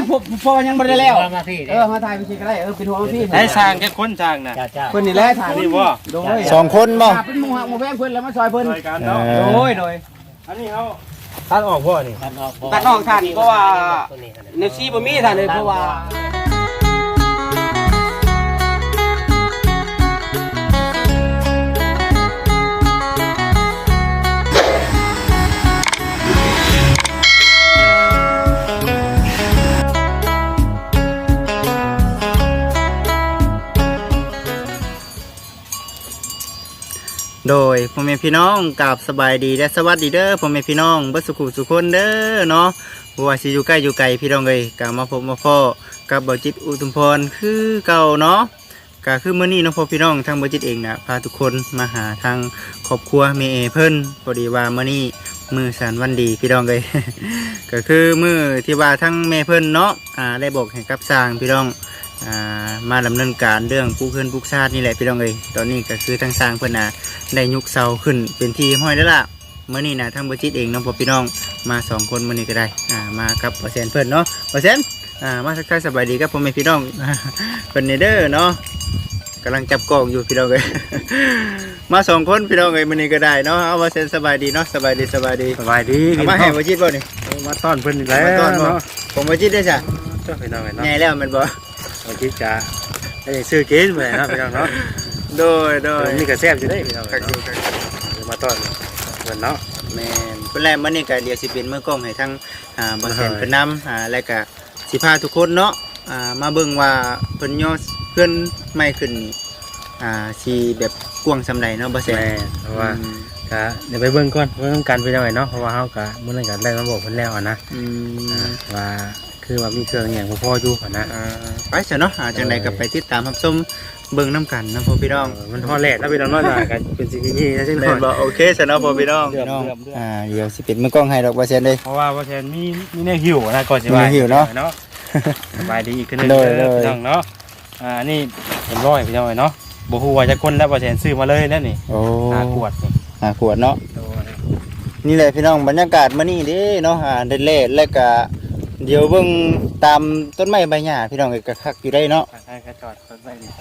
พอยังบ่ได้แล้วมาถ่ายไปสิก็ได้เป็นหัวพี่ได้สร้างแค่คนสร้างน่ะเพิ่นนี่แหละถ่ายนี่บ่โดย 2คนบ่เป็นหมู่ฮักหมู่แพงเพิ่นแล้วมาซอยเพิ่นโดยอันนี้เฮาตัดออกบ่นี่ตัดออกท่านเพราะว่าเนฟซี่บ่มีท่านเลยเพราะว่าโดยพ่อแม่พี่น้องกราบสบายดีและสวัสดีเด้อพ่อแม่พี่น้องเบิดสุขุสุคนเด้อเนาะบ่ว่าสิอยู่ใกล้อยู่ไกลพี่น้องเอ้ยก็มาพบมาพ้อกับบ่จิตอุทุมพรคือเก่าเนาะก็คือมื้อนี้เนาะพ่อพี่น้องทางบ่จิตเองน่ะพาทุกคนมาหาทางครอบครัวแม่เอเพิ่นพอดีว่ามื้อนี้มื้อสันวันดีพี่น้องเอ้ย ก็คือมื้อที่ว่าทั้งแม่เพิ่นเนาะได้บอกให้กับสร้างพี่น้องมาดำเนินการเรื่องปลูกเพื่อนปลูกชาตินี่แหละพี่น้องเอ้ยตอนนี้ก็คือทางสร้างเพื่อนได้ยุกเสาขึ้นเป็นที่ห้อยแล้วล่ะเมื่อนี้นะทั้งบัจิตเองน้องพ่อพี่น้องมา2คนมื่อนี้ก็ได้มากับเปอร์เซ็นต์เพื่อนเนาะเปอร์เซ็นต์มาสักทายสบายดีครับพ่อแม่พี่น้อง เป็นเนเดอร์เนาะกำลังจับกล้องอยู่พี่น้องเอ้ย มา2คนพี่น้องเอ้ยมื่อนี้ก็ได้เนาะเอาเปอร์เซ็นต์สบายดีเนาะสบายดีมาให้บัจิตบ่นี่มาต้อนเพิ่นอีกแล้วเนาะผมบัจิตได้จ้ะเจ้าพี่น้องเนาะใหญ่แล้วมันบ่บัจิตจ้ะไอ้ซื้อกินไปเนาะพี่น้องเนาะโดยนี่ก็แซ่บอยู่ได้พี่น้องมาต้อนเพิ่นเนาะแม่นเพิ่นแรกมื้อนี้ก็เดี๋ยวสิเป็นมื้อกล้องให้ทั้งบ่แซ่นเพิ่นนำแล้วก็สิพาทุกคนเนาะมาเบิ่งว่าเพิ่นย่อเพื่อนใหม่ขึ้นสิแบบกว้างซำใดเนาะบ่แซ่นเพราะว่าก็เดี๋ยวไปเบิ่งก่อนเบิ่งกันไปจังได๋เนาะเพราะว่าเฮาก็มื้อนั้นก็ได้มาบอกเพิ่นแล้วนะว่าคือว่ามีเครื่องอย่างพออยู่นะไปซะเนาะจังได๋ก็ไปติดตามรับชมเบิ่งน้ำกันนะพ่อพี่น้องมันฮอดแลดแล้วพี่น้องเนาะกันเป็นสิ่งที่นะจังได๋บ่โอเคซะเนาะพ่อพี่น้องเดี๋ยวสิปิดมือกล้องให้ดอกบ่แซ่นเด้เพราะว่าบ่แซ่นมีแนวหิวนะก่อนสิว่าหิวเนาะสบายดีอีกคือนึงเด้อพี่น้องเนาะนี่เป็นร้อยพี่น้องเนาะบ่ฮู้ว่าจะคนแล้วบ่แซ่นซื้อมาเลยนั่นนี่โอ้ขวดนี่ขวดเนาะนี่แหละพี่น้องบรรยากาศมื้อนี้เด้เนาะเด็ดๆแล้วก็เดี๋ยวเบิ่งตามต้นไม้ใบหญ้าพี่น้องก็คักอยู่ได้เนาะใช่ก็จอดต้นไม้นี่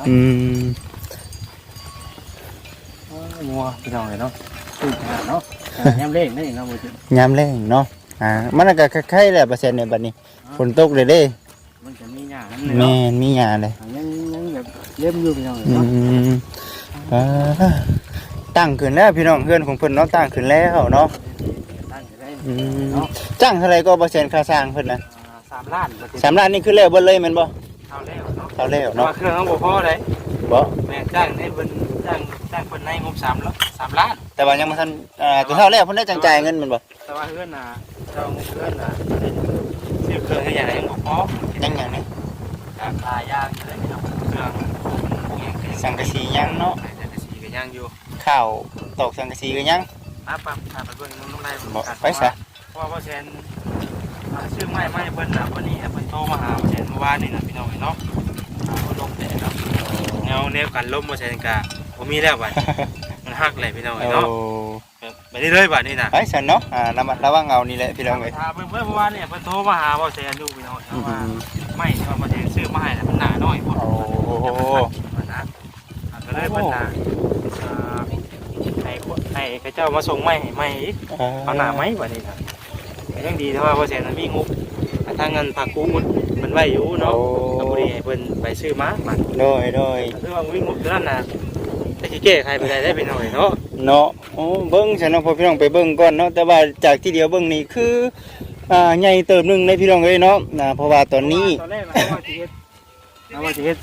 งัวพี่น้องเนาะเนาะยามแรงนี่เนาะบ่จิยามแรงเนาะมันก็คล้ายๆแหละเปอร์เซ็นต์ในบัดนี้ฝนตกเลยเด้มันจะมีหญ้าแม่นมีหญ้าเลยยังแบบเล่มอยู่พี่น้องเนาะตั้งขึ้นแล้วพี่น้องเพื่อนของเพิ่นเนาะตั้งขึ้นแล้วเนาะจ้างเท่าไรก็เปอร์เซ็นต์ค่าสร้างเพิ่นนะ 3 ล้าน 3 ล้านนี่คือแล้วเบิดเลยแม่นบ่เท่าแล้วเนาะเครื่องบ่พอเลยบ่แม่จ้างได้เพิ่นจ้างเพิ่นในงบ3 ล้านแต่ว่ายังบ่ทันตัวเท่าแล้วเพิ่นได้จังจ่ายเงินแม่นบ่แต่ว่าเฮือนน่ะเจ้าเฮือนน่ะซื้อเครื่องให้อย่างยังบ่พอยังหยังนี่หลายอย่างเลยพี่น้องเครื่องสังกะสียังเนาะสังกะสีก็ยังอยู่ข้าวตอกสังกะสีก็ยังปั๊บไปเบิ่งน้องได้ไปซะเพราะว่าแซนชื่อไม่เพิ่นน่ะวันนี้เพิ่นโทรมาหาแซนเมื่อวานนี่น่ะพี่น้องเนาะลมแต่เนาะแนวกันลมบ่แซนก็บ่มีแล้วบัดมันฮักเลยพี่น้องเนาะไปเรื่อยๆบัดนี้น่ะไปซั่นเนาะระวังเอานี่แหละพี่น้องเอ้ยเพิ่นเมื่อวานนี่เพิ่นโทรมาหาบ่แซนอยู่พี่น้องว่าไม่ว่าบ่แซนซื้อมาให้แล้วมันหนาน้อยพุ่นโอ้นะก็เลยเพิ่นน่ะให้เจ้ามาส่งไม้ให้ไม้อีกเอาหน้าไม้บัดนี้น่ะยังดีแต่ว่าบ่แซนมันมีงบทางเงินผักกูมันไว้อยู่เนาะก็บ่ได้ให้เพิ่นไปซื้อมาบัดโดยคือว่าวิ่งงบตัวนั้นน่ะแต่สิแก้ไขไปได้เป็นหน่อยเนาะโอ้เบิ่งฉันเนาะพอพี่น้องไปเบิ่งก่อนเนาะแต่ว่าจากที่เดียวเบิ่งนี่คือใหญ่เติบนึงในพี่น้องเอ้ยเนาะเพราะว่าตอนนี้ตอนแรกว่าสิเฮ็ด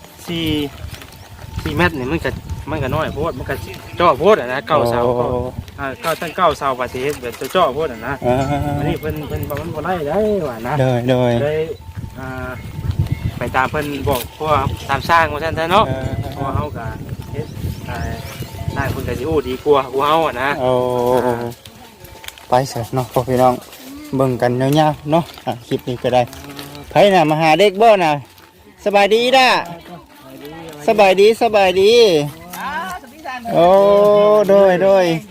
4 เมตรนี่มันก็น้อยโพดมันก็จ่อโพดนะ9 เสาก็ตั้ง9 เสาว่าสิเฮ็ดแบบจ่อโพดนะอันนี้เพิ่นมันบ่ได้ได้ว่านะโดยไปตามเพิ่นบอกเพราะว่าตามสร้างว่าซั่นซะเนาะเพราะเฮาก็เฮ็ดได้เพิ่นก็สิโอ้ดีกว่าเฮาอ่ะนะไปซะเนาะพ่อพี่น้องเบิ่งกันยาวๆเนาะคลิปนี้ก็ได้ไผน่ะมาหาเด็กบ่น่ะสบายดีด้าสบายดีโอ้โดย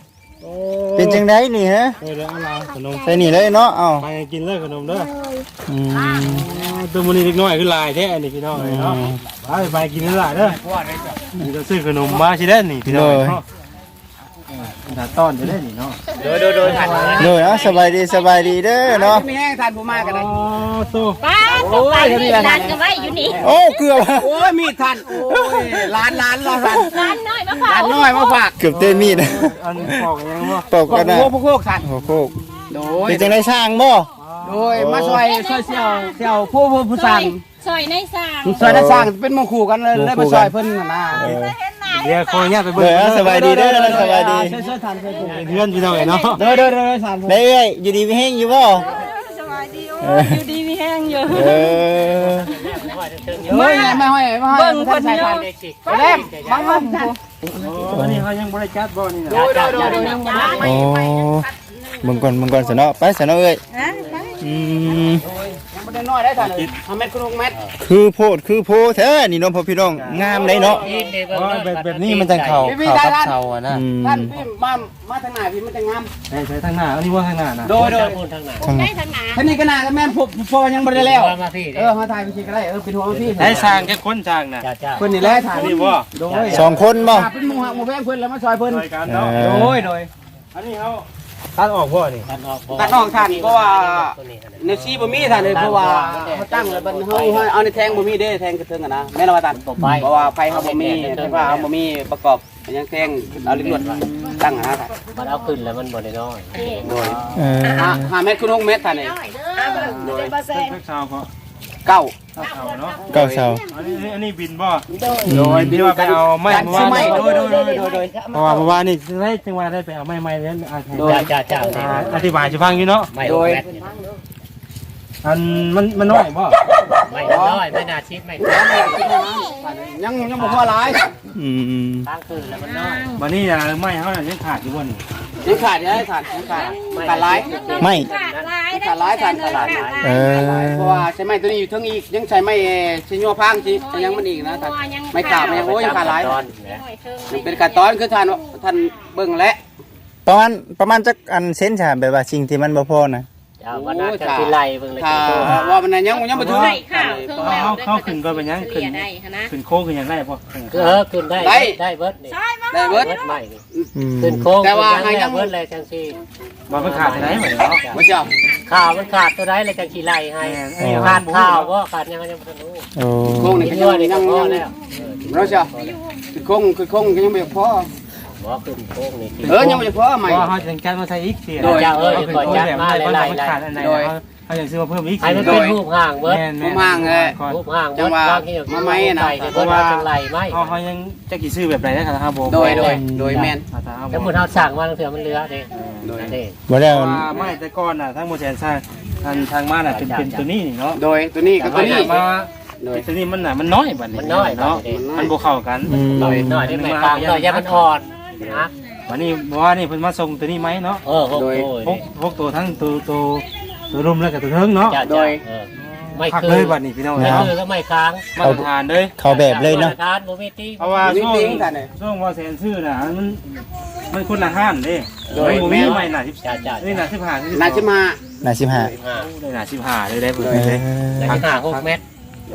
เป็นจังไดนี่ฮะเดี๋ยวเอาล่ะขนมใส่นี่เลยเนาะเอ้าไปกินเลยขนมเด้ออืมตัวมันนี่เล็กน้อยคือลายแท้นี่พี่น้องเนาะไปกินเลยล่ะเด้อนี่จะซื้อขนมมาสิได้นี่พี่น้องเนาะถ้าต้อนจะได้นี่เนาะโดยทันโดยสบายดีเด้อเนาะไม่แห้งทันผมมากันเลยตู้ป้าตกไปนี่ร้านก็ไว้อยู่นี่โอ้เกือบโอ้ยมีทันโอ้ยร้านเราทันร้านน้อยมะพร้าร้านน้อยมาฝากเกือบเต้นมีดอันปอกยังบ่ตกกันนะพวกทันโอ้โหโดยเป็นจังไดช่างบ่โดยมาซอยเสี่ยวผู้สั่งซอยในสร้างซอยได้สั่งเป็นหมู่คู่กันเลยมาซอยเพิ่นนะเดี๋ยวคอยเนี่ยไปเด้อสบายดีเด้อสบายดีช่วยทันช่วยถูกเพื่อนพี่น้องเนาะเด้อสามได้เอ้ยอยู่ดีมีแห้งอยู่บ่สบายดีโอ้อยู่ดีมีแห้งอยู่เออไม่ห้อยเบิ่งคนเดียวไปเล่มบังบังวันนี้เขายังบริจาคบ่นี่นะโดยยังบ่ได้โอ้เบิ่งก่อนสนอไปสนอเอ้ยอืมยังบ่ได้น้อยได้ทัน5เมตรคูณ6เมตรคือโพดคือโพแท้นี่น้องพ่อพี่น้องงามเลยเนาะแบบนี้มันจังเข่ากับเข่าอ่ะนะท่านพี่มาทางหน้าพี่มันจะงามใช้ทางหน้าอันนี้ว่าทางหน้านะโดยทางได้ทางหนาท่านนี่ก็น่าก็แม่นพอยังบ่ได้แล้วมาถ่ายพี่ก็ได้เป็นหัวพี่ได้สร้างแค่คนสร้างนะเพิ่นนี่แหละถ่ายนี่บ่โดย 2คนบ่เป็นหมู่หักหมู่แพงเพิ่นแล้วมาซอยเพิ่นรายการเนาะโดยอันนี้เขาตัดออกพ่อนี่ตัดออกทันเพราะว่าในซีบ่มีทันเลยเพราะว่าเขาตั้งแล้วมันเฮาเอาในแทงบ่มีเด้แทงกระเทิงอ่ะนะแม่นว่าตันเพราะว่าไฟเขาบ่มีไฟฟ้าเขาบ่มีประกอบยังแทงเอาลิ้นลวดตั้งอ่ะนะมันเอาขึ้นแล้วมันบ่ได้น้อยโดยเออ 5เมตรคูณ6เมตรทันนี่เล็กชาวก็เก้าเข่าเนาะเก้าเสาอันนี้บินบ่โดยที่ว่าไปเอาไม้การซื้อไม้โดยเพราะว่านี่ได้จังหวะได้ไปเอาไม้แล้วจ้าอธิบายจะฟังอยู่เนาะไม่โดยอันมันน้อยบ่ไม่น้อยไม่น่าชิดไม่ยังบ่พอหลายอืมทางขึ้นแล้วมันน้อยวันนี้ไม้เขายังขาดอยู่บนยังขาดยังขาดหลายไม่ขาดลายได้เออเพราะว่าใช้ไม้ตัวนี้อยู่ทั้งอีกยังใช้ไม้ใช้ยัวพังสิยังมันอีกนะไม่ขาดมันยังโอ้ยยังขาดหลายเป็นการตอนคือท่านเบิ่งและประมาณจักอันเซนจ้ะแบบว่าสิ่งที่มันบ่พอนะวันนั้นจะสิไล่เบิ่งเลยถ้าว่ามันยังบ่ถึงได้ข้าวเพิ่งแล้วเข้าขึ้นก็เป็นยังขึ้นได้นะขึ้นโค้งขึ้นยังได้ป่ะขึ้นได้ได้เบิดนี่ได้เบิดใหม่นี่อืมขึ้นโค้งเบิดเลยจังซี่มันไม่ขาดไหนเหมือนเนาะบ่เจ้าข่าวมันขาดตัวใดเลยจังสิไล่ให้ขาดข่าวบ่ขาดยังยังบ่รู้โอ้โค้งนี่ก็ยังพอแล้วเราเจ้าคือโค้งยังบ่พอบ่ขึ้นโค้งนี่ยังบ่พอใหม่เพราะเขาจะการมาใช้อีกเสียโดยเจ้าก่อนจัดมาหลายขาดอันไหนเขาอยากซื้อมาเพิ่มอีกให้มันเป็นรูปห่างเบิดผมห่างเลยรูปห่างเบิดบางทีเบิดว่าจังไรไหมเขายังจะกี่ซื้อแบบไหนนะครับผมโดยแม่นถ้าหมดเฮาสั่งมาเถื่อมันเหลือเด้โดยนี่บ่ได้ไม่แต่ก่อนน่ะทั้งโมเดลสร้างทางบ้านน่ะเป็นตัวนี้นี่เนาะโดยตัวนี้กับตัวนี้มาโดยตัวนี้มันน่ะมันน้อยบัดนี้เนาะมันบ่เข้ากันหน่อยได้ไหมกลางหน่อยยามันอ่อนนะวันนี้ว่านี่เพิ่นมาส่งตัวนี้ไหมเนาะ พวกตัวทั้งตัวรุมแล้วกับตัวเทิงเนาะไม่พักคือเลยบัดนี้พี่น้องไม่เนาะคือก็ไม่ค้างมาตรฐานเลยเขาแบบเลยเนาะทานโมมิตี้เพราะว่าช่วงว่าแสนซื้อน่ะมันคนละห้านเด้บ่มีใหม่น่ะจ้านี่น่ะ15 น่าจะมาน่า15 ได้น่ะ15เลยได้เพิ่นเลยแล้วก็6 เมตร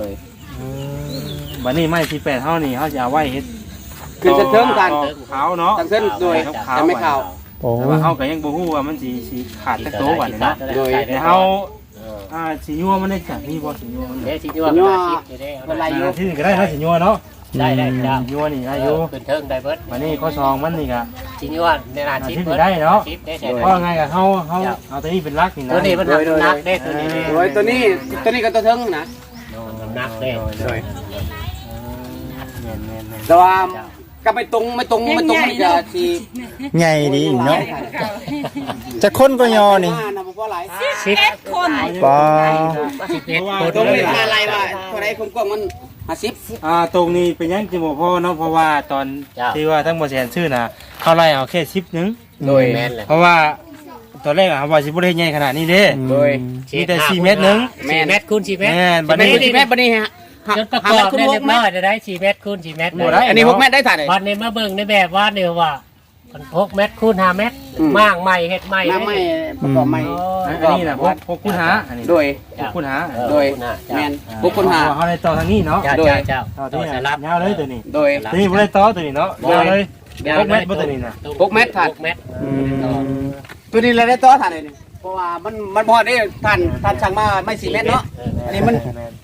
บัดนี้ไม้ที่8เฮานี่เฮาจะเอาไว้เฮ็ดคือจะเทิงกันขาวเนาะทั้งเส้นโดยจะไม่ข่าวโอ้แต่ว่าเฮาก็ยังบ่ฮู้ว่ามันสิขาดจักโตบัดนี้เนาะ แต่เฮาสิยัวมันได้จักนี่บ่สิยัวมันเดี๋ยวสิยัวมันชิดอยู่ได้เป็นไรอยู่ที่ก็ได้เฮาสิยัวเนาะได้จ้ายัวนี่ได้อยู่ขึ้นเทิงได้เบิดบัดนี้ข้อซองมันนี่ก็สิยัวในร้านชิดเบิดได้เนาะชิดได้ใช่เพราะไงก็เฮาเอาตัวนี้เป็นหลักนี่นะตัวนี้มันนักได้ตัวนี้โดยตัวนี้ก็ตัวเทิงนะนักได้โดยแม่นแต่ว่าก็ไม่ตรงมันจะสีใหญ่ดีเนาะจะคนก็ยอนี่นะเพราะอะไรชิดคนป้าตรงนี้อะไรวะเท่าไรคนกว้างมัน50 ตรงนี้เป็นยังสิบ่พอเนาะเพราะว่าตอนที่ว่าทั้งบ่แสนชื่อน่ะเฮาไล่เอาแค่10นึงโดยแม่นเลยเพราะว่าตอนแรกอะว่าสิบ่ได้ใหญ่ขนาดนี้เด้โดยมีแต่4เมตรนึง 4 เมตรคูณ4 เมตรแม่นบัดไม่นี้ใช่แม่บันนี้ฮะจนประกอบได้เรียบร้อยได้4 เมตรคูณ4 เมตรอันนี้6 เมตรได้ถ่ายเลยวันนี้มาเบิ่งในแบบว่าเนี่ยว่า 6 เมตรคูณ5 เมตรมางใหม่เฮ็ดใหม่น้ำไม่ประกอบไม่อันนี้น่ะพวกคุณหาอันนี้โดยพวกคุณหาโดยแม่นบุคคลหาเฮาได้ต่อทางนี้เนาะเจ้าโดยเจ้าต่อที่นี่ยาวเลยตัวนี้โดยตัวนี้บ่ได้ต่อตัวนี้เนาะยาวเลย6เมตรบ่ตัวนี้น่ะ 6 เมตรผ่าน 6 เมตรตัวนี้เราได้ต่อท่านเลยนี่เพราะว่ามันพอได้ท่านสั่งมาไม่4 เมตรเนาะอันนี้มัน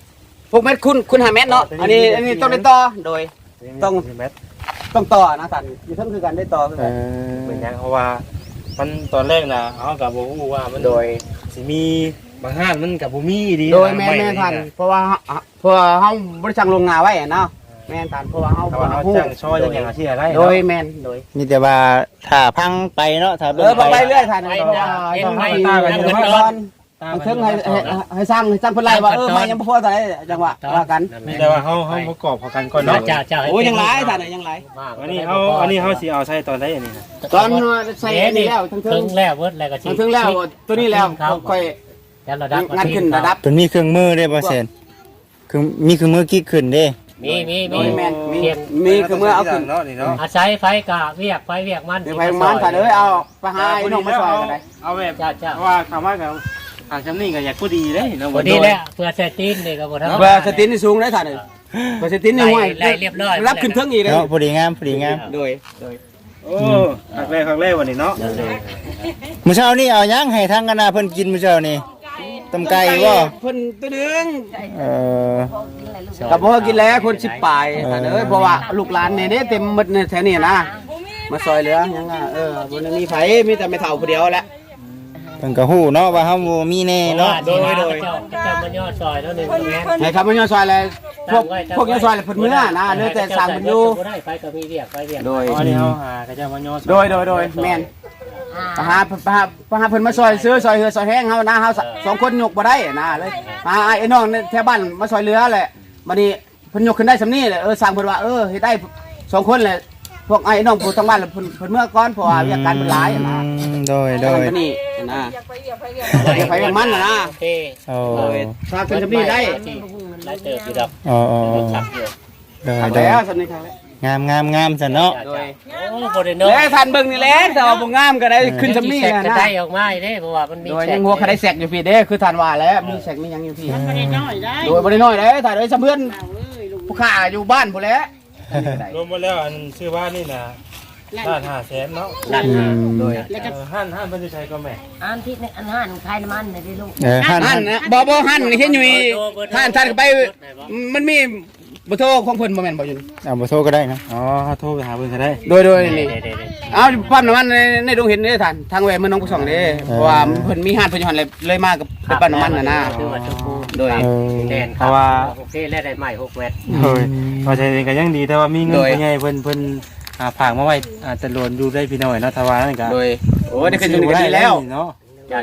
6 เมตรคุณ5 เมตรเนาะอันนี้ต้องได้ต่อโดยต้องต่อนะท่านอยู่ทั้งคือกันได้ต่อคือกันเหมือนยังเพราะว่ามันตอนแรกน่ะเฮาก็บ่ฮู้ว่ามันโดยสิมีบางห้านมันก็บ่มีดีโดยแม่นท่านเพราะว่าเฮาบ่ได้สั่งลงงาไว้เนาะแม่นท่านเพราะว่าเฮาถ้าว่าเฮาจ้างช่อจังอย่างที่อะไรโดยแม่นโดยมีแต่ว่าถ้าพังไปเนาะถ้าพอไปเรื่อยท่านไปเพราะว่าเห็นต้องไหมให้ยังให้เงินก่ดออน นถึงให้สร้างเพิ่นไล่ว่ามายังบ่พอเท่าไหร่จังหวะว่ากันมีแต่ว่าเฮาประกอบเข้ากันก่อนเนาะเจ้าเจ้าโอ้ยังหลายท่านยังหลายอันนี้เฮาสิเอาใช้ตอนใดอันนี้นะตอนใส่นี่แล้วทั้งถึงแล้วเบิดแล้วก็สิถึงแล้วตัวนี้แล้วค่อยแล้วระดับงัดขึ้นระดับตัวมีเครื่องมือได้บ่เซนคือมีเครื่องมือกิ๊กขึ้นเด้มีแม่นมีคือเมื่อเอาขึ้นเนาะนี่เนาะอาศัยไฟกะเวียกมันเดี๋ยวไปมันท่านเอ้ยเอาไปหาไอ้น้องมาช่วยกันได้เอาแบบเจ้าว่าคำว่ากับทางชั้นนี้ก็อยากพูดดีเลยเนาะพอดีแล้วเพื่อเซตินนี่ก็บ่ทันเบอร์สตินนี่สูงได้ท่านเอ้ยเบอร์สตินนี่ห้วยไล่เรียบร้อยรับขึ้นเทิงอีกเลยเนาะพอดีงามพอดีงามโดยโอ้ครั้งแรกวันนี้เนาะมื้อเช้านี้เอาหยังให้ทางคณะเพิ่นกินมื้อเช้านี้ตำไก่บ่เพิ่นตัวนึงเออกับพ่อกินแล้วคน10ปลายท่านเอ้ยเพราะว่าลูกหลานเนี่ยเต็มหมดในแถวนี้นะมาซอยเหลือยังอ่ะบ่มีไผมีแต่แม่เฒ่าผู้เดียวแหละเพิ่นก็ฮู้เนาะว่าเฮาบ่มีแน่เนาะโดยเจ้ามันยอดซอยแล้ว1แม่นให้ครับมันย่อซอยเลยพวกย่อซอยเลยเพิ่นมื้อนะเหลือแต่สร้างเพิ่นอยู่บ่ได้ไฟก็มีเวียกไฟเวียกโดยอันนี้เฮาหากระเจ้ามาย่อโดยแม่นไปหาเพิ่นมาซอยซื้อซอยเหือซอยแห้งเฮานะเฮา2คนยกบ่ได้นะเลยมาไอ้น้องแถวบ้านมาซอยเรือแหละบัดนี้เพิ่นยกขึ้นได้สำนี้แหละสร้างเพิ่นว่าเฮ็ดได้2คนแหละพวกไอ้น้องผู้ทางบ้านเพิ่นเมื่อก่อนเพราะว่าเวียกการเพิ่นหลายนะโดยนี่นะอย่าไปอย่างมันนะโอเคโอ้สร้างเป็นสำนี้ได้หลายเติบอยู่ดอกโอ้ขับอยู่โดยครับโดยแล้วสำนี้ครับงามซั่นเนาะโดยโอ้บ่ได้เนาะแล้วท่านเบิ่งนี่แหละแต่ว่าบ่งามก็ได้ขึ้นสำนี้แหนะได้ออกมาเด้เพราะว่ามันมีโดยยังหัวคาได้แสกอยู่พี่เด้คือท่านว่าแล้วมีแสกมีหยังอยู่พี่โดยบ่ได้น้อยเด้ท่านเอ้ยเพื่อนผู้ข้าอยู่บ้านพุ่นแหละรวมหมดแล้วอันชื่อว่านี่นะล้าน500,000เนาะโดยห้านเพิ่นจะใช้ก็แม่อันที่อันหันคลายน้ำมันเลยดิลูกหั่นนะบ่หั่นเห็นอยู่นี่ท่านก็ไปมันมีบ่โทรของเพิ่นบ่แม่นบ่อยู่นี่เอาบ่โทรก็ได้นะอ๋อโทรไปหาเพิ่นก็ได้โดยนี่เอาปั๊มน้ำมันในดงเห็นเด้ท่านทางแหวนเมืองหนองผู้ส่องเด้เพราะว่าเพิ่นมีห้านเพิ่นอยู่หั่นเลยมากับไปปั๊มน้ำมันน่ะนะคือว่าชมพูโดยแดนเพราะว่าโอเคแล้วได้ใหม่6เมตรโอ้ยพอใช้เองก็ยังดีแต่ว่ามีเงินใหญ่เพิ่นฝากมาไว้ตะลวนดูได้พี่น้อยเนาะถ้าว่านั่นก็โดยโอ้ได้ขึ้นอยู่นี่ก็ดีแล้วเนาะจ้า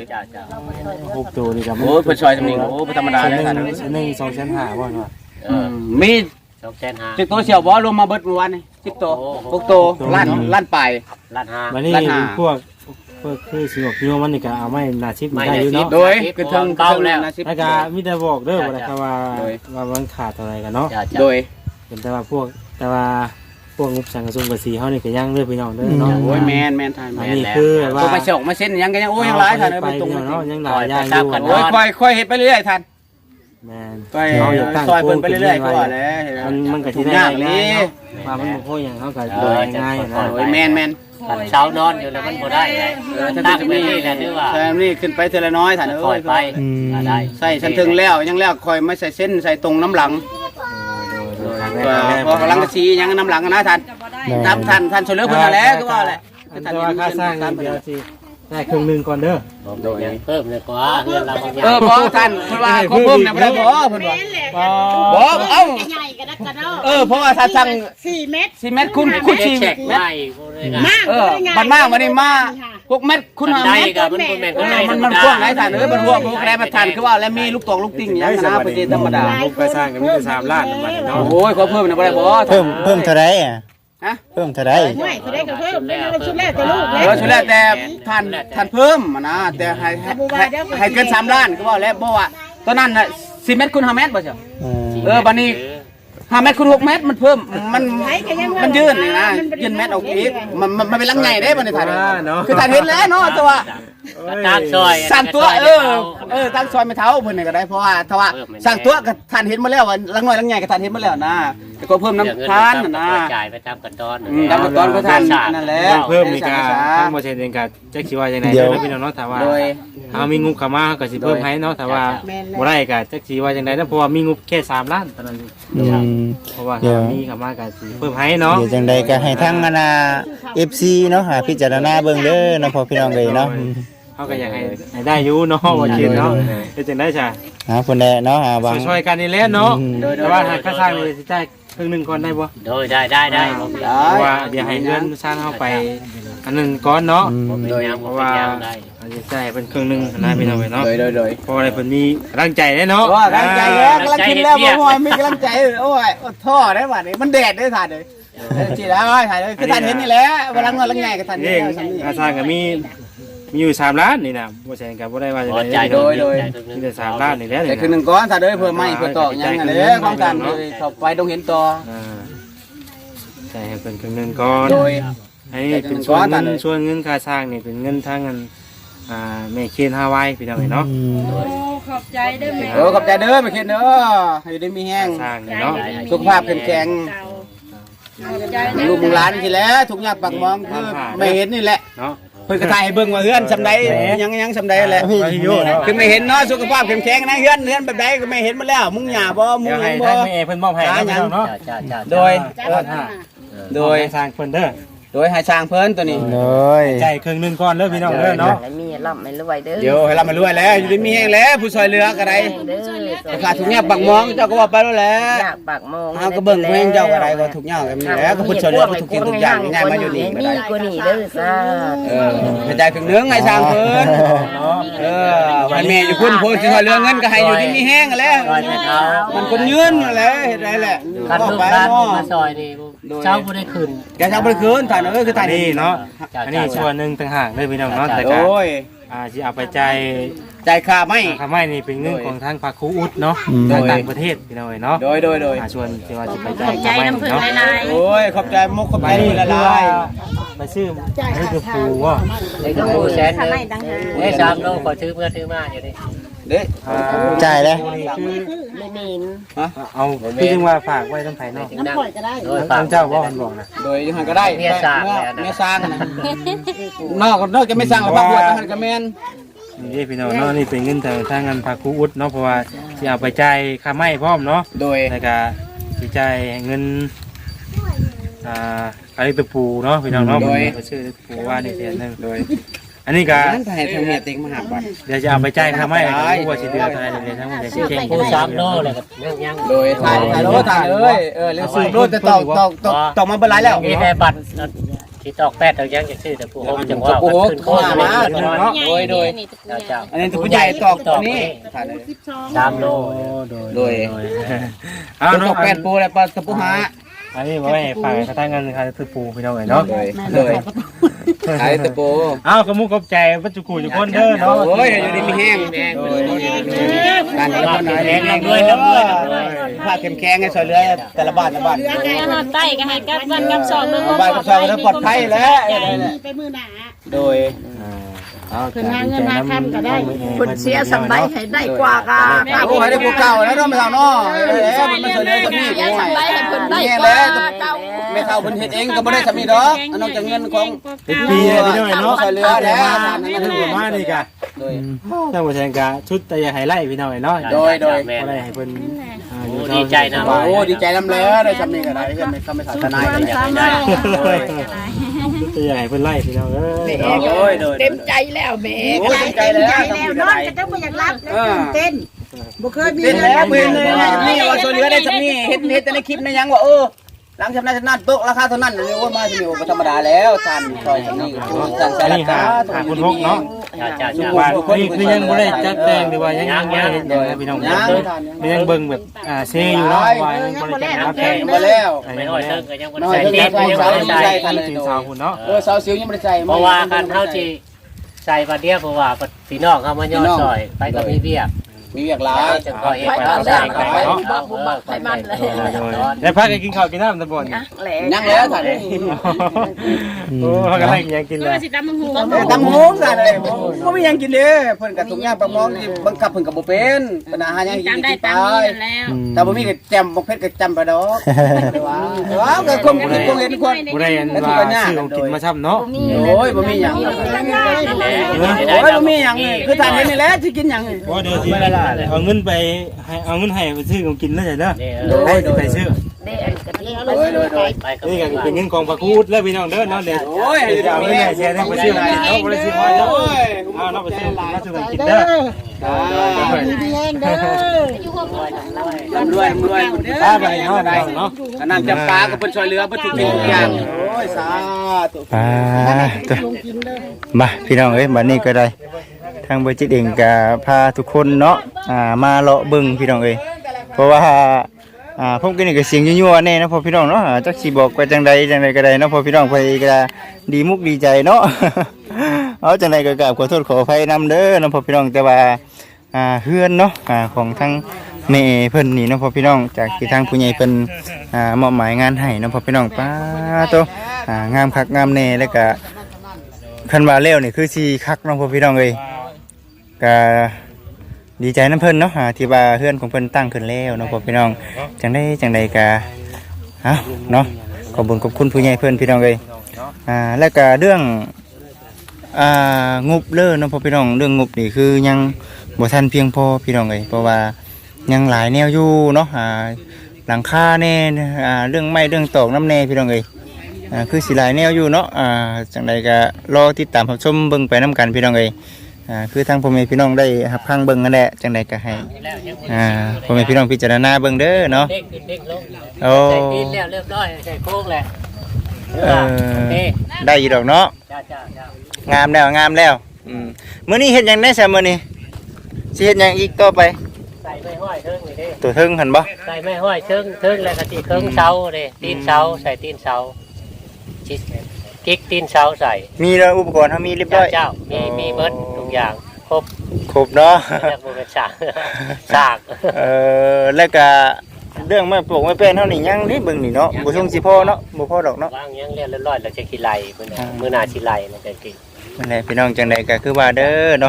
6ตัวนี่ก็โอ้เพิ่นซอยจำนี้โอ้บ่ธรรมดาแล้วท่าน 1-2,500บ่เนาะมี 2,500 10ตัวเสี่ยวบ่รวมมาเบิดเมื่อวานนี่10ตัว6ตัวล้านปลายล้านห้าวันนี้ล้านห้าพวกคือสิบอกพี่ว่ามันนี่ก็เอาไม้หน้าชิปมันได้อยู่เนาะโดยคือเทิงแล้วแล้วก็มีแต่บอกเด้อว่าแต่ว่ามันขาดอะไรกันเนาะโดยเป็นแต่ว่าพวกงบสังกะสุงกะสีเฮานี่ก็ยังเด้อพี่น้องเด้อเนาะโอ้ยแม่นท่านอันนี้คือว่าตัวไปเสกมาเส้นยังก็ยังโอ้ยยังหลายท่านเอ้ยไปมันตรงเนาะยังหลายอย่างอยู่โอ้ยค่อยเฮ็ดไปเรื่อยท่านแม่นค่อยซอยเพิ่นไปเรื่อยๆก็ว่าแล้วมันก็สิทุกได้อย่างง่านี้ยเนาะว่ามันบ่พอหยังเฮาก็โดยง่ายนะโอ้ยแม่นขันเช้านอนอยู่แล้วมันบ่ได้เลยตั้งนี่แหละถือว่าใช่นี่ขึ้นไปเทละน้อยท่านปล่เอ้อยยไปได้ใส่ฉันถึงแล้วยังแล้วค่อยไม่ใส่เส้นใส่ตรงน้ำหลังพอกำลังกระชียังน้ำหลังนะท่านตามท่านช่วยเหลือเพิ่นแล้วก็ว่าแหละแต่ว่าค่าสร้างเดี๋ยวสิได้ครึ่งนึงก่อนเด้อโดยเพิ่มเลยกว่าเงินเราบางอย่างพอท่านเพิ่นว่าเขาเพิ่มเนี่ยบ่ได้บ่เพิ่นว่าบ่เอ้าใหญ่กันนะกันเนาะเพราะว่าถ้าสั่ง 4 เมตร 4 เมตรคุณ4 เมเช็ตครไม่ได้มากบันมากวันนี้มา6 เมตรคุณ5 ได้เมตรกับมันเป็นก็ได้มันกว้างหลายท่านมันรวมพวกแรมันทันคือว่าแล้วมีลูกตองลูกติ่งอย่างนะประเทศธรรมดาลูกไปสร้างก็มีแต่3ล้านประมาณนี้เนาะโอ้ยขอเพิ่มนะบ่ได้บ่เพิ่มเท่าไรอ่ะฮะเพิ่มเท่าไรไม่ตัวได้ก็เพิ่มได้ชุดแรกตัวลูกชุดแรกแต่ท่านเพิ่มนะแต่ให้เกิน3 ล้านก็ว่าแล้วบ่ว่าตอนนั้นน่ะ10 เมตรคุณ5 เมตรบ่ใช่บัดนี้ 5 เมตรคูณ6 เมตรมันเพิ่มมันยืนนี่นะยืนเมตรออกอีกมันเป็นลังใหญ่เด้บ่ได้ถ่ายคือถ่ายเห็นแล้วเนาะแต่ว่าตามซอยสั่งตัวตั้งซอยไม่เท่าเพิ่นนี่ก็ได้เพราะว่าถ้าว่าสั่งตัวก็ท่านเห็นมาแล้วว่าลังน้อยลังใหญ่ก็ท่านเห็นมาแล้วนะแต่ก็เพิ่มน้ำทานนะจ่ายไปตามกันตอนตามขั้นตอนก็ท่านนั่นแหละเพิ่มอีกอ่ะทั้งบ่เช่นเองก็จักสิว่าจังได๋เด้อพี่น้องเนาะถ้าว่าโดยเฮามีงบเข้ามาก็สิเพิ่มให้เนาะถ้าว่าบ่ได้ก็จักสิว่าจังได๋นะเพราะว่ามีงบแค่3ล้านเท่านั้นเพราะว่ามีเข้ามาก็สิเพิ่มให้เนาะเดี๋ยวจังใดก็ให้ทั้งอนา FC เนาะหาพิจารณาเบิ่งเด้อเนาะพ่อพี่น้องเอ้ยเนาะเขาก็อยากให้ได้อยู่เนาะว่าคิดเนาะเป็นจังได้จ้ะคนใดเนาะบางช่วยกันนี่แหละเนาะแต่ว่าหากค่าสร้างนี่สิจ่ายครึ่งนึงก่อนได้บ่โดยได้เพราะว่าเดี๋ยวให้เงินสร้างเฮาไปอันนึงก่อนเนาะโดยเพราะว่าอาจจะจ่ายเป็นครึ่งนึงนะพี่น้องเนาะโดยเพราะอะไรเพิ่นมีกำลังใจได้เนาะว่ากำลังใจแล้วกำลังกินแล้วบ่ฮอยมีกำลังใจโอ้ยท่อได้บัดนี้มันแดดได้ท่านเลยจีแล้วถ่ายเลยคือท่านเห็นนี่แหละว่าลังน้อยลังใหญ่ก็ท่านนี่เห็นค่าสร้างก็มีอยู่3ล้านนี่นะบ่ใช่ก็บ่ได้ว่าจะได้มีแต่3ล้านนี่แหละแต่คือ1ก้อนถ้าเด้อเพิ่มไม่เพิ่มต่อยังไงเด้อของกันเข้าไปต้องเห็นต่อจ่ายให้เพิ่นครึ่งนึงก่อนโดยให้เป็นส่วนเงินค่าสร้างนี่เป็นเงินทางเงินแม่เคนฮาวายพี่น้องเนาะขอบใจได้ไหมขอบใจเด้อไปเคนเด้อให้ได้มีแห้งสร้างนี่เนาะสุขภาพแข็งแรงลูกหลานทีแล้วทุกอย่างปากมองคือไม่เห็นนี่แหละเนาะเพิ่นก็ถ่ายให้เบิ่งว่าเฮือนสำใดยังสำใดแหละ คือไม่เห็นเนาะสุขภาพแข็งแรงนะเฮือนแบบใดก็ไม่เห็นมาแล้ว มุงหญ้าบ่มุงเดี๋ยวหให้ยังบ่ทางแม่เพิ่นมอบให้เนาะโดยโดยสร้างเพิ่นเด้อโดยให้สร้างเพิ่นตัวนี้เลยใจครึ่งนึงก่อนเด้อพี่น้องเด้อเนาะมีร่ำไม่รวยเด้อเดี๋ยวให้เรามารวยแล้วอยู่ดีมีแห้งแล้วผู้ช่วยเหลือก็ได้เด้อขาดทุกอย่างปากมองเจ้าก็ว่าไปแล้วแหละอยากปากมองเฮาก็เบิ่งเพิ่นเจ้าก็ได้ก็ทุกอย่างก็มีแล้วก็ผู้ช่วยเหลือทุกสิ่งทุกอย่างง่ายมาอยู่นี่ก็ได้มีกว่านี้เด้อซ่ากระจายครึ่งนึงให้สร้างเพิ่นให้แม่อยู่พุ่นผู้ช่วยเหลือเงินก็ให้อยู่ดีมีแห้งแล้วมันคนยืนแหละเฮ็ดได้แหละคันก็ลูกไปหลานเนาะมาซอยนี่เช้าบ่ได้ขึ้นแกเช้าบ่ได้คืนถ่ายคือถ่ายนี่เนาะอันนี้ส่วนนึงต่างหากเด้อพี่น้องเนาะแต่ก็โอ้ยสิเอาไปจ่ายใจายค่าไม่ค่าไม้นี่เป็นเงินของทางภาคครูอุดเนาะทางต่างประเทศพี่น้องเนาะโดยส่วนที่ว่าสิไปขจ่าอย บใจค่าไม้น้ำผึ้งเนาะหลายโอ้ยขอบใจมุกขอบใจมือละลายไปซื้อให้กับปูว่าไอ้ก็ผู้แสนนึงไอ้3โลขอซื้อเพื่อซื้อมาอยู่ดิเด้จ่ายเลยไม่มีนเอาพี่จึงว่าฝากไว้ต้องไผเนาะน้ำปล่อยก็ได้โดยทางเจ้าว่ามันบอกนะโดยยังไงก็ได้เมียสร้างแล้วนะเมียสร้างนะนอกจะไม่สร้างหรอกบางบวชมันก็แม่นนี่พี่น้องเนาะนี่เป็นเงินทางเงินภาคครูอุดเนาะเพราะว่าสิเอาไปจ่ายค่าไม้พร้อมเนาะโดยแล้วก็สิจ่ายเงินอะไรตะปูเนาะพี่น้องเนาะไปซื้อตะปูว่านี่เสียนึงโดยอันนี้ก็นั้นให้ทางเมียติ๊กมาหาบัตรเดี๋ยวจะเอาไปจ่ายค่าไม้ก็รู้ว่าสิเดือนเท่าไหร่เดี๋ยวทั้งหมดเดี๋ยวสิเก่งผู้3โลแล้วก็ยังโดยถ่ายโลถ่ายเลยเรื่องสูบโลแต่ตอกมาเป็นไรแล้วมีแต่บัตรที่ตอกแปดเอายังจะซื้อแต่ผู้โฮมจังว่าโอ้โหขึ้นเข้ามาเนาะโดยเจ้าอันนี้ตัวใหญ่ตอกตัวนี้ถ่ายเลย 3โลโดยเอาตเนาะอกแปดปูแล้วปลาตะปูหาอันนี้ไว้ฝากกระทั่งเงินค่าตะปูพี่น้องเนาะโดยขายตะปูเอาขมุกขอบใจปัจจุกูทุกคนเด้อเนาะโอ้ยอยู่ดีมีแห้งการละบ้านแห้งด้วยผ้าแข็งให้ช่วยเหลือแต่ละบ้านๆเนี่ยหอดไต้ก็ให้กับวันกับสองเรื่องบ้านกับชาวก็ปลอดภัยแล้วไปมือหนาโดยเพิ่นหาเงินหาคำก็ได้คนเสียสำไรให้ได้กว่าโอ้ยได้กูเก่าแล้วเนาะไม่เท่าเนาะแล้วมันช่วยเหลือคนนี้กูแล้วไม่เท่าเพิ่นเฮ็ดเองก็บ่ได้สามีดอกนอกจากเงินของเป็นปีเลยพี่น้องเนาะช่วยเหลือแล้วถึงมานี่กะโดยถ้าบ่แทงกะชุดแต่อย่าให้ไล่พี่น้องเนาะโดยบ่ได้ให้เพิ่นดีใจนะโอ้ดีใจนำแล้วได้สามีก็ได้ก็ไม่ทำทนายก็อยากได้จะอย่าให้เพิ่นไล่พี่น้องเอ้ยโอ้ยโดยเต็มใจแล้วแม่โอ้ยใจแล้วทำแล้วก็นอนได้ก็ต้องบ่อยากรับเต้นบ่เคยมีเป็นแล้วเพิ่นนี่ว่าช่วยเหลือได้สามีเฮ็ดแต่ในคลิปในยังว่าหลังจากนั้นโต๊ะราคาเท่านั้นเลยว่ามาสิโอ้ธรรมดาแล้วท่านซอยนี่สั่งใส่ราคาหาคุณพกเนาะจ้าว่านี่คือยังบ่ได้จัดแต่งหรือว่ายังบ่ได้เฮ็ดหยังพี่น้องยังเบิ่งแบบเซอยู่เนาะว่ายังบ่ได้จัดแต่งมาแล้วไม่น้อยเทิงก็ยังบ่น้อยใส่เทิงเต็มยังบ่ได้ใส่ถึงสาวคุณเนาะสาวสิวยังไม่ได้ใส่เพราะว่าการเฮาสิใส่บัดเดียวเพราะว่าพี่น้องเฮามาย่อซอยไปก็มีเบี้ยมีเวียกหลายจะคอยเฮ็ดแล้วใส่กันเนาะใส่มันเลยได้พักกันกินข้าวกินน้ำตะบนยังแล้วท่านโอ้พักกันให้ยังกินเอเลอย สิตำมังหูตำหงซะเลยบ่มีหยังกินเด้เพิ่นก็ทุกอย่างประมองที่บังคับเพิ่นก็บ่เป็นปัญหาหยังกินตำได้กินไปตำนี้นั่นแล้วแต่บ่มีก็แจมบ่เผ็ดก็จำไปดอกว้าวก็คงคิดคงเห็นคนผู้ใดอันว่าชื่อของกินมาช้ำเนาะโอ้ยบ่มีหยังโอ้ยบ่มีหยังคือท่านเห็นนี่แหละสิกินหยังว่าเดี๋ยวสิเอาเงินไปให้เอาเงินให้ไปซื้อของกินแล้วจ้ะเด้อให้ไปซื้อโดยนี่ก็เป็นเงินกองประคูดแล้วพี่น้องเด้อเนาะเดี๋ยวโอ้ยจะเอาเงินให้แชร์ให้ไปซื้อของกินเนาะบ่ได้ซื้อมาเนาะเอาเนาะไปซื้อมาซื้อของกินเด้อดีแห้งเด้อร่ำรวยรวยถ้าไปเนาะได้เนาะอันนั้นจำปาก็เพิ่นช่วยเหลือเพิ่นทุกสิ่งทุกอย่างโอ้ยสาธุตัวมาพี่น้องเอ้ยบัดนี้ก็ได้ทางบริจิตเองก็พาทุกคนเนาะมาเลาะเบิ่งพี่น้องเอ้ยเพราะว่าผมก็นี่ก็เสียงยั่วๆแน่นะพอพี่น้องเนาะจักสิบอกว่าจังใดก็ได้เนาะพอพี่น้องไปก็ดีมุกดีใจเนาะ เอาจังใดก็กราบขอโทษขออภัยนำเด้อเนาะพอพี่น้องแต่ว่าเฮือนเนาะของทั้งแม่เพิ่นนี่เนาะพอพี่น้องจากที่ทางผู้ใหญ่เพิ่นมอบหมายงานให้เนาะพอพี่น้องป้าโตงามคักงามแน่แล้วก็คันว่าแล้วนี่คือสิคักเนาะพอพี่น้องเอ้ยก็ดีใจน้ำเพิ่นเนาะที่ว่าเฮือนของเพิ่นตั้งขึ้นแล้วเนาะพอพี่น้องจังใดก็เนาะขอบคุณผู้ใหญ่เพิ่นพี่น้องเอ้ยแล้วก็เรื่องงบเด้อเนาะพอพี่น้องเรื่องงบนี่คือยังบ่ทันเพียงพอพี่น้องเอ้ยเพราะว่ายังหลายแนวอยู่เนาะหลังคาแน่เรื่องไม้เรื่องตอกน้ำแน่พี่น้องเอ้ยคือสิหลายแนวอยู่เนาะจังใดก็รอติดตามรับชมเบิ่งไปนํกันพี่น้องเอ้ยคือทางพ่อแม่พี่น้องได้รับฟังเบิ่งนั่นแหละจังใดก็ให้พ่อแม่พี่น้องพิจารณาเบิ่งเด้อเนาะเด็กขึ้นเด็กลงโอ้ใส่ตีนแล้วเรียบร้อยใส่โค้งแหละได้อยู่ดอกเนาะจ้างามแล้วมื้อนี้เฮ็ดหยังได้ซะมื้อนี้สิเฮ็ดหยังอีกต่อไปใส่ไม่ห้อยเทิงนี่เด้ตัวเทิงหั่นบ่ใส่ไม่ห้อยเทิงแล้วก็ตีเทิงเสาเด้ตีนเสาใส่ตีนเสาจิกิ๊กตีนเสาใส่มีแล้วอุปกรณ์เฮามีเรียบร้อยเจ้ามีเบิดทุกอย่างครบครบเนาะแล้วบ่เป็นสากแล้วก็เรื่องไม่ปลูกไม่เป็นเท่านี้ยังนี่เบิ่งนี่เนาะบ่ทรงสิพอเนาะบ่พอดอกเนาะวางยังเรียบร้อยแล้วจะขี้ไหลมื้อหน้าขี้ไหลมันจะกินนั่นแหละพี่น้องจังใดก็คือว่าเด้อเนาะ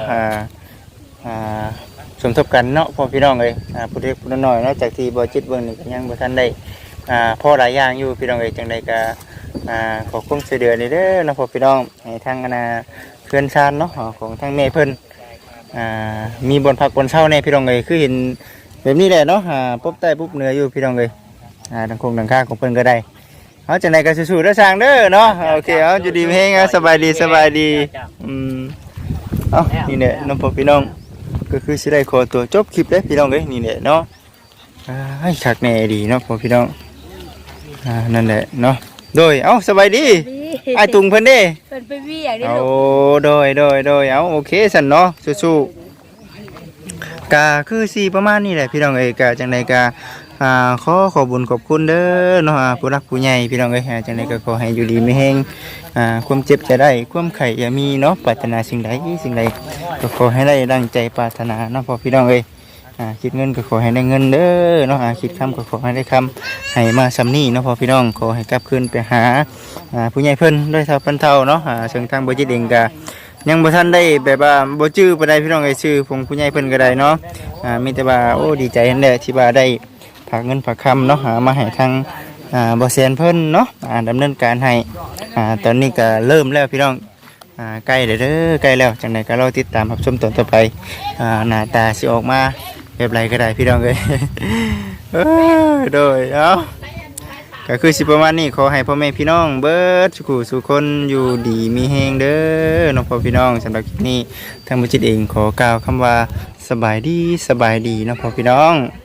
สมทบกันเนาะพ่อพี่น้องเอ้ยผู้เล็กผู้น้อยเนาะจากที่บ่จิตเบิ่งนี่ก็ยังบ่ทันได้พอหลายอย่างอยู่พี่น้องเอ้ยจังใดก็ขอความช่วยเหลือนี่เด้อเนาะพ่อพี่น้องให้ทางเพื่อนชาญเนาะของทางแม่เพิ่นมีบนพักบนเช่าแน่พี่น้องเอ้ยคือเห็นแบบนี้แหละเนาะปุ๊บใต้ปุ๊บเหนืออยู่พี่น้องเอ้ยทางคงทางข้างของเพิ่นก็ได้เอาจังไดก็สู้ๆเด้อสร้างเด้อเนาะโอเคเอาอยู่ดีมีแฮงสบายดีเอานี่แหละน้องพ่อพี่น้องก็คือสิได้ขอตัวจบคลิปเด้อพี่น้องเอ้ยนี่แหละเนาะให้คักแน่ดีเนาะพ่อพี่น้องนั่นแหละเนาะโดยเอาสบายดีไอ้ตุงเพิ่นเด้เพิ่นไปเวียกได้เอาลูกโดยเอาโอเคสั่นเนาะสู้ๆก็คือสิประมาณนี้แหละพี่น้องเอ้ยก็จังไดก็ขอบุญขอบคุณเด้อเนาะผู้รักผู้ใหญ่พี่น้องเอ้ยจังไดก็ขอให้อยู่ดีมีแฮงความเจ็บจะได้ความไข้อย่ามีเนาะปรารถนาสิ่งใดก็ขอให้ได้ดังใจปรารถนาเนาะพอพี่น้องเอ้ยคิดเงินก็ขอให้ได้เงินเด้อเนาะคิดคำก็ขอให้ได้คำให้มาซ้ำนี้เนาะพอพี่น้องขอให้กลับคืนไปหาผู้ใหญ่เพิ่นด้วยเท่าเพิ่นเท่าเนาะซึ่งทางบ่จิตเองก็ยังบ่ทันได้แบบว่าบ่จื้อปานใดพี่น้องเอ้ยชื่อของผู้ใหญ่เพิ่นก็ได้เนาะมีแต่ว่าโอ้ดีใจนั่นแหละที่ว่าได้ฝากเงินฝากคำเนาะมาให้ทางบ่แซนเพิ่นเนาะดำเนินการให้ตอนนี้ก็เริ่มแล้วพี่น้องใกล้แล้วเด้อใกล้แล้วจังได๋ก็รอติดตามรับชมตอนต่อไปหน้าตาสิออกมาแบบไรก็ได้พี่น้องเอ้ย โดยเอาก็คือสิประมาณนี้ขอให้พ่อแม่พี่น้องเบิดสุขคนอยู่ดีมีแฮงเด้อน้องพ่อพี่น้องสำหรับคลิปนี้ทางบุญจิตเองขอกล่าวคำว่าสบายดีน้องพ่อพี่น้อง